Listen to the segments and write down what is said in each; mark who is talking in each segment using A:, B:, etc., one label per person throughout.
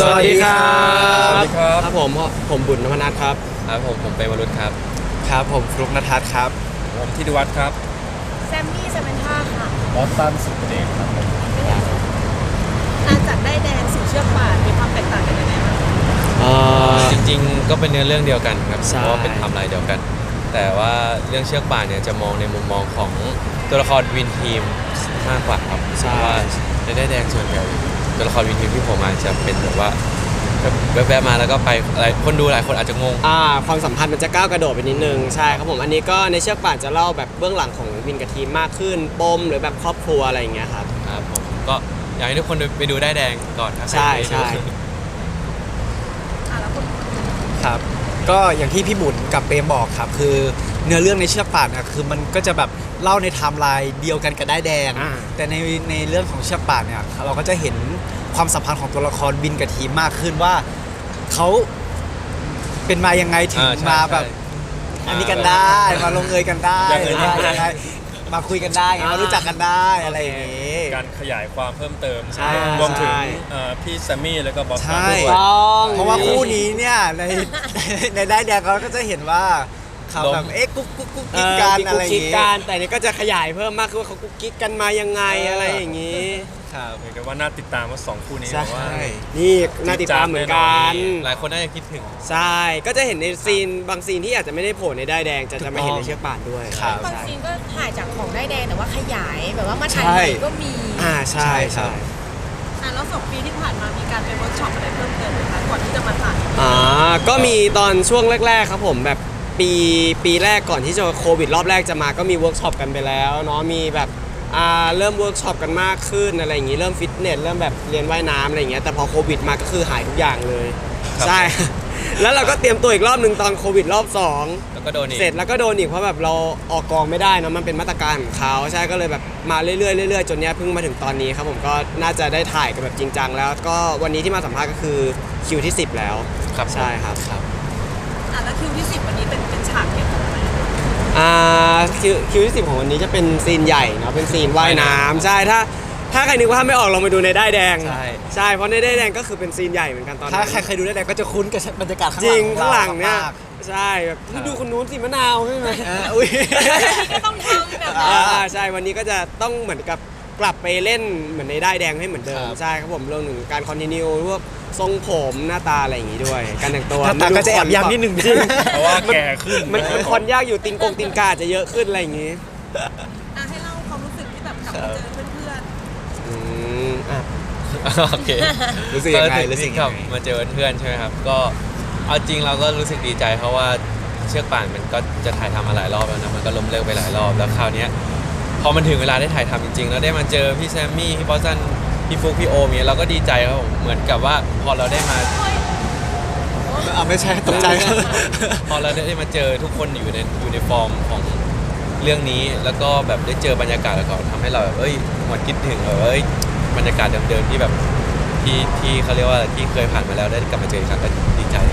A: สวัสดีครับ
B: สวัสดีครับ
A: ครับผมบุญนพนัทครับ
B: ครับผมเป็นวรุษครับ
A: ครับผมฟลุกนทัศน์ครับ
B: ผมธิติวัฒน์ครับ
C: แซมมี่เซเวนท่าค่ะ
D: บอสตันสุดเดชครับ
C: หลังจากได้แดงสู่เชือกป่านมีความแตกต่างกันยังไงบ้าง
B: จริงๆก็เป็นเนื้อเรื่องเดียวกันครับ
A: ใช่
B: เพราะว่าเป็นไทม์ไลน์เดียวกัน แต่ว่าเรื่องเชือกป่านเนี่ยจะมองในมุมมองของตัวละครวินทีมมากกว่าครับเพราะว่าในได้แดงส่วนใหญ่ตัวละครวินทีมที่ผมมาจะเป็นแบบว่าแวบๆมาแล้วก็ไปอะไรคนดูหลายคนอาจจะงง
A: ความสัมพันธ์มันจะก้าวกระโดดไปนิดนึงใช่ครับผมอันนี้ก็ในเชือกป่านจะเล่าแบบเบื้องหลังของวินกับทีมมากขึ้นปมหรือแบบครอบครัวอะไรอย่างเงี้ยครับ
B: ครับผมก็อยากให้ทุกคนไปดูได้แดงก่อนครับ
A: ใช่
C: แล้วคุณ
D: ครับก็อย่างที่พี่บุญกับเปรมบอกครับคือเนื้อเรื่องในเชือกป่านนะคือมันก็จะแบบเล่าในไทม์ไลน์เดียวกันกับได้แดงแต่ในเรื่องของเชือกป่านเนี่ยเราก็จะเห็นความสัมพันธ์ของตัวละครวินกับทีมมากขึ้นว่าเขาเป็นมายังไงถึงมาแบบอันนี้กันได้มาลงเอยกันได้ยังไงมาคุยกันได้มารู้จักกันได้อะไรอย่างนี้
E: การขยายความเพิ่มเติม
A: ใช่
E: รวมถึงพี่แซมมี่แล้วก็บอสตัน
D: ใช่
E: ด้วย
D: เพราะว่าคู่นี้เนี่ยในได้แดงเราก็จะเห็นว่าเขาแบบกุ๊กกิ๊กกันอะไรอย่าง
A: งี้
D: งี้
A: แต่นี่ก็จะขยายเพิ่มมากขึ้นว่าเขากุ๊กกิ๊กกันมายังไงอะไรอย่างงี้
D: ครับ
E: เรียกได้ว่าน่าติดตามว่า2คู่นี้
A: ใช่
E: แบบว่า
A: นี่น่าติดตามเหมือนกัน
B: หลายคนน่าจะคิดถึง
A: ใช่ก็จะเห็นในซีนบางซีนที่อาจจะไม่ได้โผล่ในได้ายแดงจะมาเห็นในเชือกป่านด้วย
D: ครับ
C: บางซีนก็ถ่ายจากของได้แดงแต่ว่าขยายแบบว่ามาถ่าย
D: ใช่
C: ใหม่ก็มี
A: ใช่ใช่
C: แล้ว2 ปีที่ผ่านมามีการไปเวิร์กช็อปอะไรเพิ่มเติมไหมคะก่อนที่จะมาถ่าย
A: ก็มีตอนช่วงแรกๆครับผมแบบปีแรกก่อนที่จะโควิดรอบแรกจะมาก็มีเวิร์กช็อปกันไปแล้วเนาะมีแบบเริ่มเวิร์กช็อปกันมากขึ้นอะไรอย่างงี้เริ่มฟิตเนสเริ่มแบบเรียนว่ายน้ำอะไรอย่างเงี้ยแต่พอโควิดมาก็คือหายทุกอย่างเลยใช่ แล้วเราก็เตรียมตัวอีกรอบหนึ่งตอนโควิดรอบ2
B: แล้วก็โดนอีก
A: เสร็จแล้วก็โดนอีกเพราะแบบเราออกกองไม่ได้นะมันเป็นมาตรการของเขาใช่ก็เลยแบบมาเรื่อยๆเรื่อยๆจนเนี้ยเพิ่งมาถึงตอนนี้ครับผมก็น่าจะได้ถ่ายกันแบบจริงจังแล้วก็วันนี้ที่มาสัมภาษณ์ก็คือคิวที่10แล้ว
B: ครับ
A: ใช่ครับ
C: แล้วคิวที่10วันนี้เป็นฉากเกี่ยวกับอะไร
A: คิวที่10ของวันนี้จะเป็นซีนใหญ่เนาะเป็นซีนว่ายน้ำใช่ถ้าใครนึกว่าถ้าไม่ออกลองไปดูในได้ายแดงใช่เพราะในได้ายแดงก็คือเป็นซีนใหญ่เหมือนกันตอนนั้น
D: ถ้าใครเคยดูได้แดงก็จะคุ้นกับบรรยากาศข้าง
A: จ
D: หลั
A: ริ
D: ง
A: งข้างหลังเนี่ย
D: มาก
A: ใช่แบบนี่ดูคนนู้นสิมะนาวใช่ไหม
D: อุ้ย
C: ก็ต้องทำแบบนั้น
A: ใช่วันนี้ก็จะต้องเหมือนกับกลับไปเล่นเหมือนในได้ายแดงให้เหมือนเดิมใช่ครับผมเรื่องหนึ่งการคอนติเนียพวกทรงผมหน้าตาอะไรอย่างงี้ด้วย การแต่งตัว
D: หน้าตาก็จะแอบย้ำนิดนึง
A: จริง
E: เพราะว่าแก่ขึ้น
A: มันคอนยากอยู่ตีนกาจะเยอะขึ้นอะไรอย่างงี้
C: ให้เล่าความรู้สึกที่แบบกลับมาเจอเพื่อน
B: โอเค
D: รู้สึกยังไง
B: รู้สึกกับมาเจอเพื่อนใช่ไหมครับก็เอาจริงเราก็รู้สึกดีใจเพราะว่าเชือกป่านมันก็จะถ่ายทำมาหลายรอบแล้วนะมันก็ล้มเลิกไปหลายรอบแล้วคราวเนี้ยพอมันถึงเวลาได้ถ่ายทำจริงๆแล้วได้มาเจอพี่แซมมี่พี่บอสตันพี่ฟุกพี่โอมเนี่ยเราก็ดีใจครับผมเหมือนกับว่าพอเราได้มา
D: ไม่ใช่ตกใจ
B: พอเราได้มาเจอทุกคนอยู่ในฟอร์มของเรื่องนี้แล้วก็แบบได้เจอบรรยากาศแล้วก็ทำให้เราแบบหวนคิดถึงบรรยากาศเดิมๆที่แบบที่เขาเรียกว่าที่เคยผ่านมาแล้วได้กลับมาเจออีกครั้งก็ดีใจ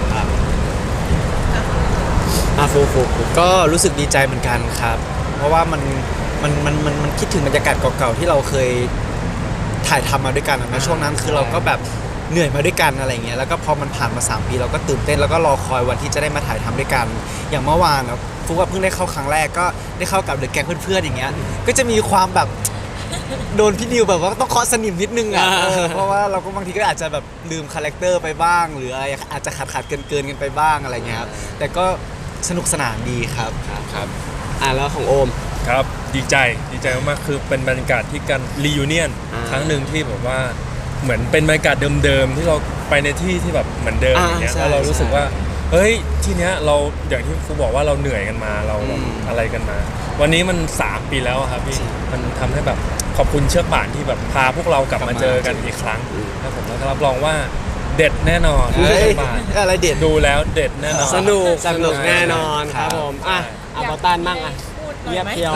B: ครับ
D: ฟูก็รู้สึกดีใจเหมือนกันครับ เพราะว่ามันคิดถึงบรรยากาศเก่าๆที่เราเคยถ่ายทำมาด้วยกันนะช่วงนั้นคือเราก็แบบเหนื่อยมาด้วยกันอะไรเงี้ยแล้วก็พอมันผ่านมา3 ปีเราก็ตื่นเต้นแล้วก็รอคอยวันที่จะได้มาถ่ายทำด้วยกันอย่างเมื่อวานนะฟุกว่าเพิ่งได้เข้าครั้งแรกก็ได้เข้ากับเดอะแก๊งเพื่อนๆอย่างเงี้ยก็จะมีความแบบโดนพี่นิวแบบว่าต้องเคาะสนิมนิดนึงอ่ะเพราะว่าเราก็บางทีก็อาจจะแบบลืมคาแรคเตอร์ไปบ้างหรืออะไรอาจจะขาดเกินกันไปบ้างอะไรเงี้ยครับแต่ก็สนุกสนานดีครับ
B: ครับ
A: แล้วของโอม
E: ครับดีใจมากๆคือเป็นบรรยากาศที่การรียูเนียนครั้งหนึ่งที่แบบว่าเหมือนเป็นบรรยากาศเดิมๆที่เราไปในที่แบบเหมือนเดิมอย่างเงี้ยแล้วเรารู้สึกว่าเฮ้ยที่เนี้ยเราอย่างที่ครูบอกว่าเราเหนื่อยกันมาเราแบบอะไรกันมาวันนี้มัน3 ปีแล้วครับพี่มันทำให้แบบขอบคุณเชือกป่านที่แบบพาพวกเรากลับมาเจอกันอีกครั้งครับผมแล้วก็รับรองว่าเด็ดแน่นอนเชือกป่าน
D: อะไรเด็ด
E: ดูแล้วเด็ดแน่นอน
A: สนุกแน่นอนครับผมบอสตันมั่งเรียบเพียว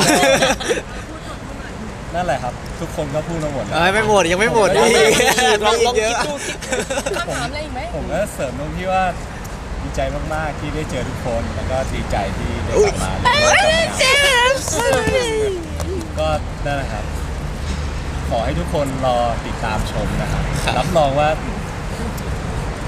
D: นั่นแหละครับทุกคนก็พูดมาหมดไม่หมดยังไม่หมด
A: ลองคิดดู
C: คำถามอะไรอีกไหม
D: ผมก็เสริมตรงที่ว่าดีใจมากๆที่ได้เจอทุกคนแล้วก็ดีใจที่ได้กลับมาก็นั่นแหละครับขอให้ทุกคนรอติดตามชมนะครับรับรองว่า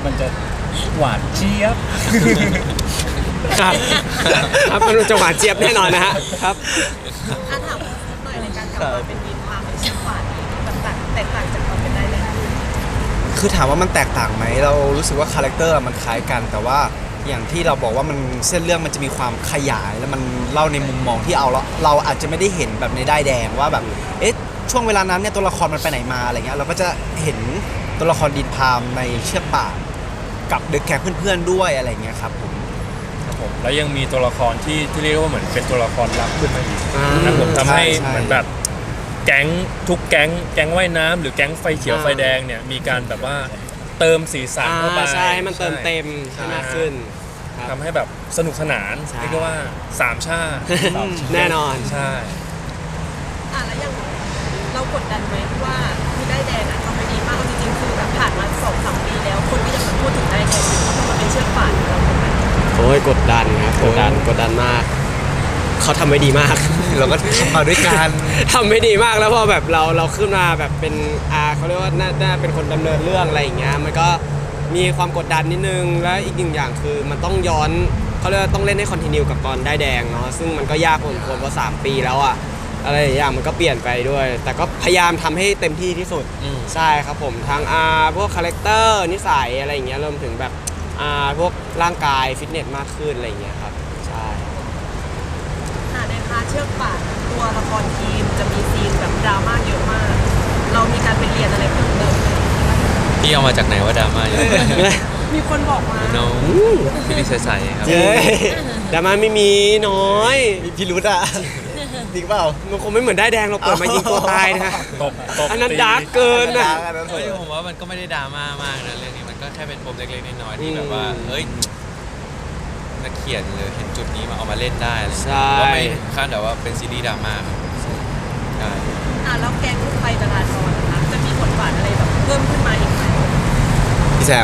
F: มันจะหวานเจี๊ยบ
A: ครับครับมันจะหวานเจี๊ยบแน่นอนนะฮะครับ
C: ถ้าถามหน่อยในการกลับมาเป็นวินพาเป็นเชือกป่านแบบแตกต่างจากความเป็นได้เลย
D: คือถามว่ามันแตกต่างไหมเรารู้สึกว่าคาแรคเตอร์มันคล้ายกัน แต่ว่าอย่างที่เราบอกว่ามันเส้นเรื่องมันจะมีความขยายแล้วมันเล่าในมุมมองที่เราอาจจะไม่ได้เห็นแบบในด้ายแดงว่าแบบเอ๊ะช่วงเวลานั้นเนี่ยตัวละครมันไปไหนมาอะไรเงี้ยเราก็จะเห็นตัวละครดินพามในเชือกป่านกับเด็กแก๊งเพื่อนๆด้วยอะไรเงี้ยครับผม
E: ครับผมแล้วยังมีตัวละครที่เรียกว่าเหมือนเป็นตัวละครลับขึ้นมาอีก
A: อ่า
E: นะผมทำให้
D: ใช่
E: เหมือนแบบแก๊งทุกแก๊งว่ายน้ำหรือแก๊งไฟเขียวไฟแดงเนี่ยมีการแบบว่าเติมสีสันเข้าไป
A: ใช่ให้มันเติมเต็มให้มากขึ้นครับ
E: ทำให้แบบสนุกสนาน
A: ใช่
E: เรียกได้ว่าสามชาติ
A: แน่นอน
E: ใช่
C: แล้วอย่างเรากดดันไหมว่าคือได้แดงทำไปดีมากเอาจริงๆคือแบบผ่านมา2-3 ปีแล้วคนก็ยังมาพูดถึงได้แดงอยู่เพราะมันเป็นเชือกป่านเราถูกไหม
A: โอ้ยกดดันครับกดดันมาก เขาทำไว้ดีมาก
D: เราก็ทำมาด้วยกัน
A: ทำไม่ดีมากแล้วพอแบบเราขึ้นมาแบบเป็นเขาเรียกว่าน่าเป็นคนดำเนินเรื่องอะไรอย่างเงี้ยมันก็มีความกดดันนิดนึงและอีกหนึ่งอย่างคือมันต้องย้อนเขาเรียกว่าต้องเล่นให้คอนติเนียกับตอนได้แดงเนาะซึ่งมันก็ยากพอสมควรเพราะ3 ปีแล้วอะอะไรอย่างมันก็เปลี่ยนไปด้วย แต่ก็พยายามทำให้เต็มที่ที่สุด
B: อืม
A: ใช่ครับผมทั้งพวกคาแรคเตอร์นิสัยอะไรอย่างเงี้ยรวมถึงแบบพวกร่างกายฟิตเนสมากขึ้นอะไรอย่างเงี้ยครับใช่
C: ในพาร์ทเชือกป่านตัวละครทีมจะมีซีนแบบดราม่าเยอะมาก เรามีการไปเรียนอะไรเพิ่มเติมไหม
B: พี่เอามาจากไหนว่าดราม่าเยอะ
C: มีคนบอกมา
B: น้องพี่พี่ใสๆครับ
A: เย้แต่มันไม่มีน้อย
D: มีพิรุธอ่ะจริงเปล่า
A: มันคงไม่เหมือนได้แดงเราเปิดมายิงตัวตายนะ
E: ตบ
A: อันนั้น
E: ตี
A: ดาร์กเกินนะ
B: เฮ้ยผมว่ามันก็ไม่ได้ดราม่ามากนะเรื่องนี้มันก็แค่เป็นปมเล็กๆน้อยๆที่แบบว่าเฮ้ยนักเขียนหรือเห็นจุดนี้มาเอามาเล่นได้อะไรอย่างเงี้ยก็ไม่ขั้นแบบว่าเป็นซีรีส์ดราม่าครับใช่
C: แล้วแกงลูกไฟจราจรนะคะจะมีบทบาทอะไรแบบเพิ่มขึ้นมาอีกไหม
D: พี่แซม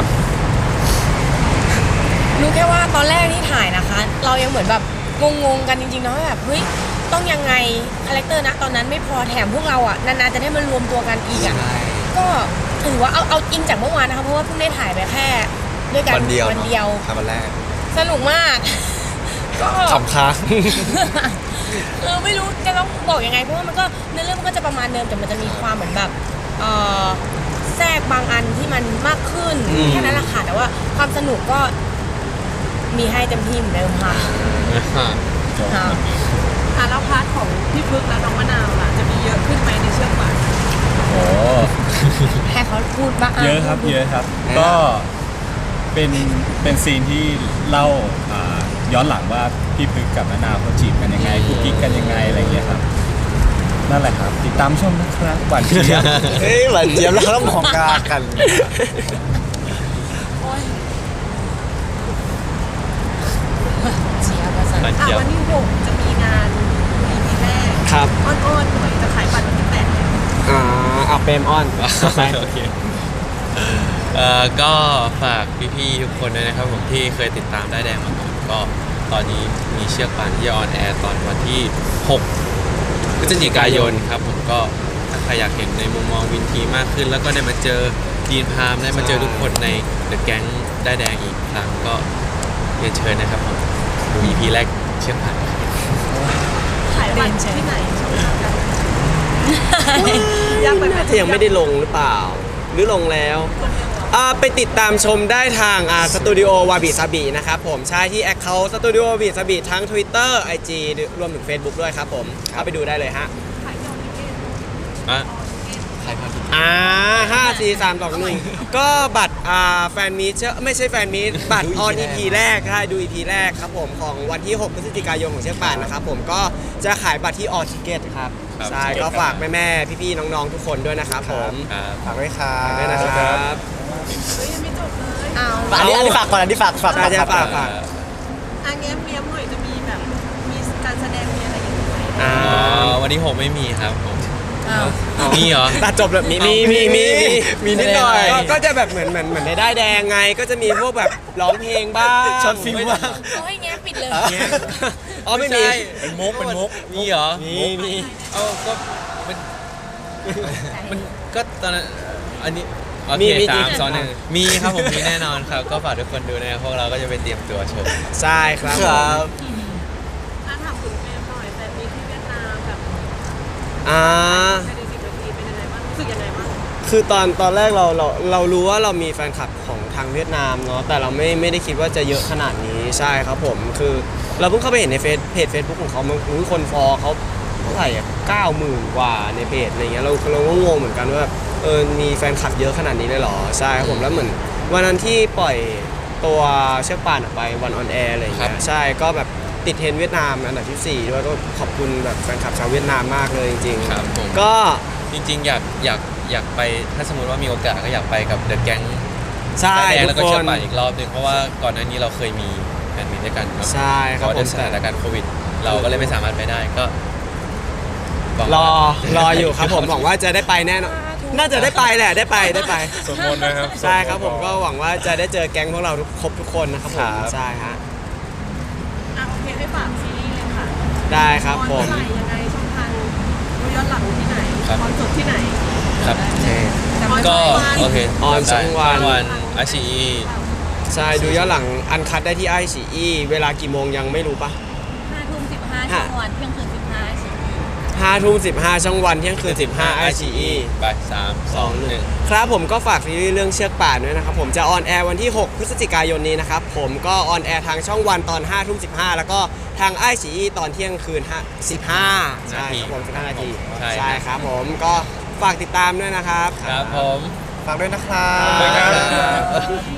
G: รู้แค่ว่าตอนแรกที่ถ่ายนะคะ เรายังเหมือนแบบงงๆกันจริงๆเนาะว่าแบบเฮ้ยต้องยังไงคาแรคเตอร์นะตอนนั้นไม่พอแถมพวกเราอ่ะนานๆจะได้มารวมตัวกันอีกอ่ะก็ถือว่าเอาจริงจากเมื่อวานนะคะเพราะว่าเพิ่งได้ถ่ายไปแค่ด้วยกัน
D: วันเดียว
G: วันเดียว
D: ครับวันแรก
G: สนุกมาก ก็
D: ขำค้าง
G: ไม่รู้จะต้องบอกยังไงเพราะว่ามันก็เนื้อเรื่องมันก็จะประมาณเดิมแต่มันจะมีความเหมือนแบบแทรกบางอันที่มันมากขึ้นแค่นั้นแหละค่ะแต่ว่าความสนุกก็มีให้เต็มที่เหมือนเดิมค่ะค่ะ
C: แล้วพาร์ทของพี่พึกและน้องมะนาวล่ะจะมีเยอะขึ้นไหมในเชือกป่าน
F: โอ้
G: ให้เขาพูดบ้าง
F: เยอะครับเยอะครับ ก็เป็นซีนที่เล่าย้อนหลังว่าพี่พึกกับมะนาวเขาจีบกันยังไงคุกกิ๊กกันยังไงอะไรอย่างเงี้ยครับนั่นแหละครับ ติดตามชมนะครับหวานเจี๊ยบ
D: เฮ้ยหวานเจี๊ยบแล้วก็มองตากัน
G: เชียร์ภาษา
B: มันเจียว
C: วันที่6จะมีงาน EP แรก
A: ครับ
C: อ้อนๆหน่อยจะขายบัตรวันที่8แล้ว
A: เอาเปรมออนไป
B: โอเคก็ฝากพี่ๆทุกคนด้วยนะครับผมที่เคยติดตามได้แดงมาก่อนก็ตอนนี้มีเชือกป่านที่จะออนแอร์ตอนวันที่ 6 พฤศจิกายนครับผมก็ถ้าใครอยากเห็นในมุมมองวินทีมากขึ้น แล้วก็ได้มาเจอดีนพามได้มาเจอทุกคนในเดอะแก๊งได้แดงอีกครั้งก็เรียนเชิญนะครับผมดู EP แรกเชือกป่าน
C: ขายบัตรที่ไหนช่องทางการยากไปไหม
A: น่าจะยังไม่ได้ลงหรือเปล่า หรือลงแล้วไปติดตามชมได้ทางสตูดิโอวาบิซาบินะครับผมใช่ที่แอคเคาท์สตูดิโอวาบิซาบิทั้ง Twitter IG รวมถึง Facebook ด้วยครับผมเข้าไปดูได้เลยฮะ
B: อ่ะ
A: 5 4 3 2 1 ก็บัตรแฟนมีตไม่ใช่แฟนมีตบัตรออน EP แรกใช่ดู EP แรกครับผมของวันที่ 6 พฤศจิกายนของเชือกป่านนะครับผมก็จะขายบัตรที่ออทิเกตครับใช่ก็ฝากแม่ๆพี่ๆน้องๆทุกคนด้วยนะครับผม
B: ครับ
D: ฝากด้วยครั
A: ฝากด้วยนะ
D: บ
A: ครับ
C: เฮ้ยยังไม่จบเลย
G: เอา
D: อันนี้ฝากก่อนอันนี้ฝาก
A: ฝาก
D: ก่อน
A: ฝาก
C: เงี้ยเมียมหน่อยจะมีแบบมีการแสดงมีอะไรอย่างเงี้ยไหม
B: วันนี้6ไม่มีครับผม
G: เอา
B: มีเหรอ
A: ตัดจบแบบมีนิดหน่อยก็จะแบบเหมือนในได้ายแดงไงก็จะมีพวกแบบร้องเพลงบ้าง
D: ช็อตฟิล์มบ้าง
G: เอาให้แง้ปิดเลย
A: อ๋อไม่มี
B: ใช่
E: เป็นมุกเป็นมุก
B: มีเหรอ
A: มี
B: เอาก็มันก็ตอนนั้นอันนี้โอ
A: มี
B: เค
A: มี
B: สา
A: จริ
B: ม
A: ง
B: สองหนึ่งมีครับผมมีแน่นอนครับ ก็ฝากทุกคนดูนะครับพวกเราก็จะไปเตรียมตัวชม
A: ใช่ครับ
D: ครับ
C: ถ้าถามคุณเฟรมหน่อยแต่มีที่เวียดนามแบบ
A: อ่า
C: ภายใน10 นาทีเป็นยังไงบ้างรู้สึกยังไงบ้าง
A: คือตอนแรกเรารู้ว่าเรามีแฟนคลับของทางเวียดนามเนาะแต่เราไม่ได้คิดว่าจะเยอะขนาดนี้ใช่ครับผมคือเราเพิ่งเข้าไปเห็นในเพจ Facebook ของเขามันคนฟอลเขาเท่าไหร่อ่ะ90,000 กว่าในเพจอะไรเงี้ยเราก็งงเหมือนกันว่าแบบมีแฟนคลับเยอะขนาดนี้เลยเหรอใช่ครับผมแล้วเหมือนวันนั้นที่ปล่อยตัวเชือกป่านออกไปวันออนแอร์อะไร
B: ครั
A: เงี้
B: บ
A: ยใช่ก็แบบติดเทรนด์เวียดนามอันดับที่4ด้วยก็ขอบคุณแบบแฟนคลับชาวเวียดนามมากเลยจริงๆ
B: ครับผม
A: ก็
B: จริงๆอยากไปถ้าสมมติว่ามีโอกาสก็อยากไปกับเดอะแก๊ง
A: ใช่
B: แดง
A: ทุ
B: แล้ว
A: ก
B: ก็
A: ค
B: เชือน กป่านอีกรอบหนึงเพราะว่าก่อนหน้านี้เราเคยมีแฟนมิตด้วยกันเนาะ
A: ใช่ครับ
B: เพาะ
A: ผ
B: ด้วย
A: ม
B: สถานการณ์โควิด เราก็เลยไม่สามารถไปได้ก็หวัง
A: ร
B: ว่า
A: ออยู่ครับผมหวังว่าจะได้ไปแน่นอนน่าจะได้ไปแหละได้ไป
E: สมมตินะครับ
A: ใช่ครับผมก็หวังว่าจะได้เจอแก๊งพวกเราครบทุกคนนะครับผมใช่ฮะ
C: อ่ะโอเคให้ฝากซีรีส์เลยค่ะ
A: ได้ครับผม
C: ออนเมื่อไหร่ยังไงช่องทางดูย้อนหลังที่ไหน
B: ครับ
C: คอนสดที่ไหน
B: ครับ
C: แต่ว่า
B: ก็
C: ช่องวัน
B: โอเค
A: ออนช่องวัน
B: วันอาชี
A: ใช่ดูย้อนหลังอันคัดได้ที่ไอซีอีเวลากี่โมงยังไม่รู้ปะ
G: 5 ทุ่ม 15ช่องวันเที่ยงคืน 15สิ
A: 5 ทุ่ม 15ช่องวันเที่ยงคืน 15ไอซีอี
B: บ่าย3 2 1
A: ครับผมก็ฝากซีรีส์เรื่องเชือกป่านด้วยนะครับผมจะออนแอร์วันที่ 6 พฤศจิกายนนี้นะครับผมก็ออนแอร์ทางช่องวันตอน 5 ทุ่ม 15 แล้วก็ทางไอซีอีตอนเที่ยงคืน 15 ใช่ครับผม15 นาที
B: ใช่
A: ครับผมก็ฝากติดตามด้วยนะครับ
B: ครับผม
D: ฝากด้วยนะครั
B: ขอบคุณครับ
D: บ